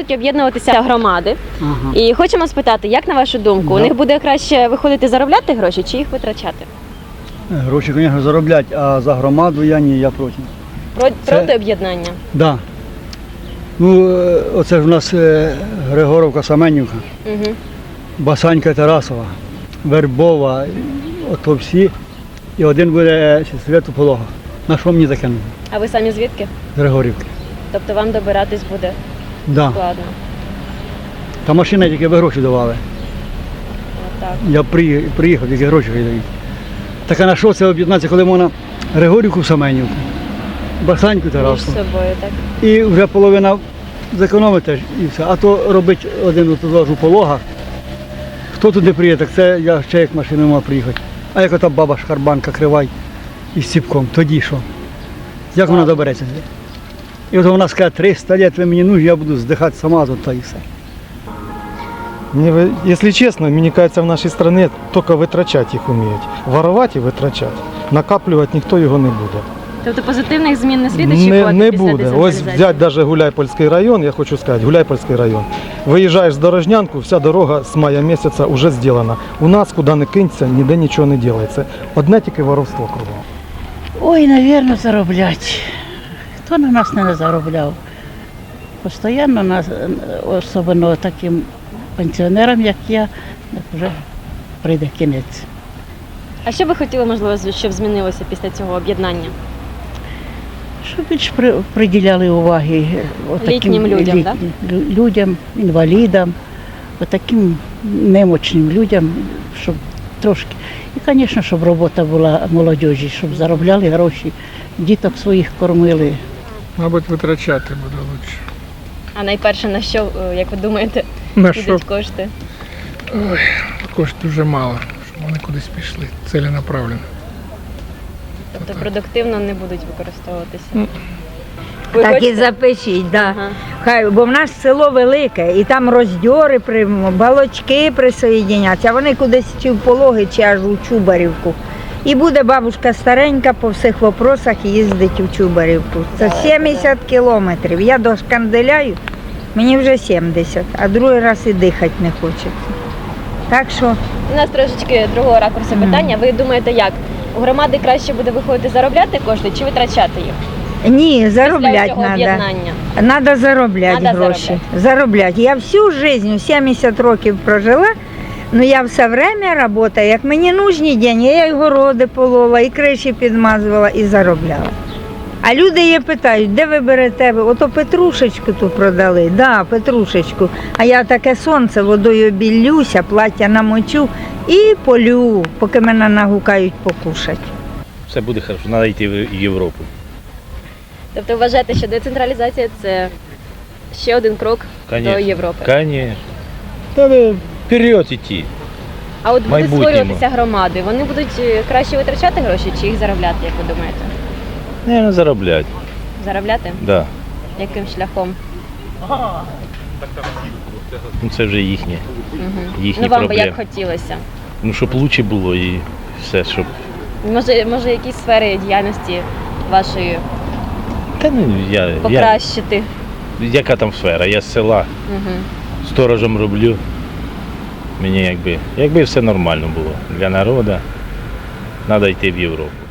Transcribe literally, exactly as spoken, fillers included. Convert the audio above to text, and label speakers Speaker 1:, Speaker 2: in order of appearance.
Speaker 1: будуть об'єднуватися громади.
Speaker 2: Ага.
Speaker 1: І хочемо спитати, як на вашу думку, у
Speaker 2: Да.
Speaker 1: них буде краще виходити заробляти гроші чи їх витрачати?
Speaker 2: Гроші, звісно, зароблять, а за громаду я ні, я проти.
Speaker 1: Про-
Speaker 2: Це-
Speaker 1: Проти об'єднання?
Speaker 2: Да. Ну, е, оце ж у нас е, Григоровка, Семенівка,
Speaker 1: Угу.
Speaker 2: Басанька, Тарасова, Вербова, ото всі. І один буде Свято-Полога. На що мені таке нужно?
Speaker 1: А ви самі звідки?
Speaker 2: З Григорівки.
Speaker 1: Тобто вам добиратись буде
Speaker 2: Да.
Speaker 1: складно?
Speaker 2: Та машина тільки ви гроші давали.
Speaker 1: Отак.
Speaker 2: Я при- приїхав, тільки гроші дають. Так а на що це об'єднатися, коли можна Григорівку, Семенівку, Басаньку,
Speaker 1: Між
Speaker 2: Тарасову.
Speaker 1: собою, так?
Speaker 2: І вже половина зекономити і все. А то робить один туди ж у Пологах. Хто туди приїде, так це я ще як машиною мав приїхати. А як ота баба шкарбанка кривай із ціпком, тоді що? Як вона добереться? І от вона скаже, триста років ви мені нужні, я буду здихати сама тут та і все.
Speaker 3: Мне, вы- если честно, мне кажется, в нашей стране только витрачати їх уміють. Воровать і витрачати. Накаплювати ніхто його не буде.
Speaker 1: Тобто позитивних змін не слід
Speaker 3: Не,
Speaker 1: очікувати
Speaker 3: не
Speaker 1: після
Speaker 3: буде. Ось
Speaker 1: децентралізації?
Speaker 3: взяти навіть Гуляйпольський район, я хочу сказати, Гуляйпольський район. Виїжджаєш з Дорожнянку, вся дорога з мая місяця вже зроблена. У нас, куди не кинься, ніде нічого не робиться. Одне тільки воровство кругом.
Speaker 4: Ой, навірно, зароблять. Хто на нас не заробляв? Постоянно нас, особливо таким пенсіонерам, як я, так вже прийде кінець.
Speaker 1: А що ви хотіли, можливо, щоб змінилося після цього об'єднання?
Speaker 4: Щоб більш при- приділяли уваги отаким
Speaker 1: Літнім людям, так?
Speaker 4: лю- людям, інвалідам, отаким немочним людям, щоб трошки. І, звісно, щоб робота була молодіжі, щоб заробляли гроші, діток своїх кормили.
Speaker 5: Мабуть, витрачати буде краще.
Speaker 1: А найперше на що, е, як ви думаєте,
Speaker 5: На що?
Speaker 1: підуть кошти?
Speaker 5: Ой, коштів дуже мало, щоб вони кудись пішли, ціленаправленно.
Speaker 1: Тобто продуктивно не будуть використовуватися?
Speaker 5: Ну.
Speaker 1: Ви
Speaker 6: Так і
Speaker 1: хочете?
Speaker 6: запишіть, да.
Speaker 1: Ага.
Speaker 6: Хай, бо в нас село велике, і там роздьори приймемо, балочки присоєдняться, а вони кудись чи в Пологи, чи аж у Чубарівку. І буде бабушка старенька по всіх вопросах їздить у Чубарівку. Це сімдесят кілометрів. Я дошканделяю, мені вже сімдесят, а другий раз і дихати не хочеться. Так що
Speaker 1: У нас трошечки другого ракурсу питання. Ви думаєте, як? У громади краще буде виходити заробляти кошти чи витрачати їх?
Speaker 6: ні,
Speaker 1: Після
Speaker 6: заробляти
Speaker 1: цього
Speaker 6: треба.
Speaker 1: об'єднання.
Speaker 6: Надо заробляти
Speaker 1: Надо
Speaker 6: гроші. Заробляти. Я всю життя, сімдесят років прожила, ну я все время працюю, як мені нужні деньги, я і городи полола, і криші підмазувала, і заробляла. А люди її питають, де ви берете? Ото петрушечку ту продали, да, петрушечку. А я таке сонце, водою білюся, плаття намочу і полю, поки мене нагукають покушати.
Speaker 7: Все буде добре, треба йти в Європу.
Speaker 1: Тобто вважаєте, що децентралізація – це ще один крок
Speaker 7: Конечно.
Speaker 1: до Європи?
Speaker 7: Звісно. Треба вперед йти.
Speaker 1: А от будуть
Speaker 7: майбутньому.
Speaker 1: створюватися громади, вони будуть е, краще витрачати гроші чи їх заробляти, як ви думаєте?
Speaker 7: Не заробляти.
Speaker 1: Заробляти?
Speaker 7: Да.
Speaker 1: Яким шляхом?
Speaker 7: Ну, це вже їхнє.
Speaker 1: Угу.
Speaker 7: Їхні
Speaker 1: Ну вам би
Speaker 7: проблеми.
Speaker 1: як хотілося?
Speaker 7: Ну, щоб краще було і все, щоб.
Speaker 1: Може, може якісь сфери діяльності вашої
Speaker 7: Та ну я, я.
Speaker 1: покращити?
Speaker 7: Яка там сфера? Я з села
Speaker 1: Угу.
Speaker 7: сторожем роблю. Мені якби, якби все нормально було для народу, треба йти в Європу.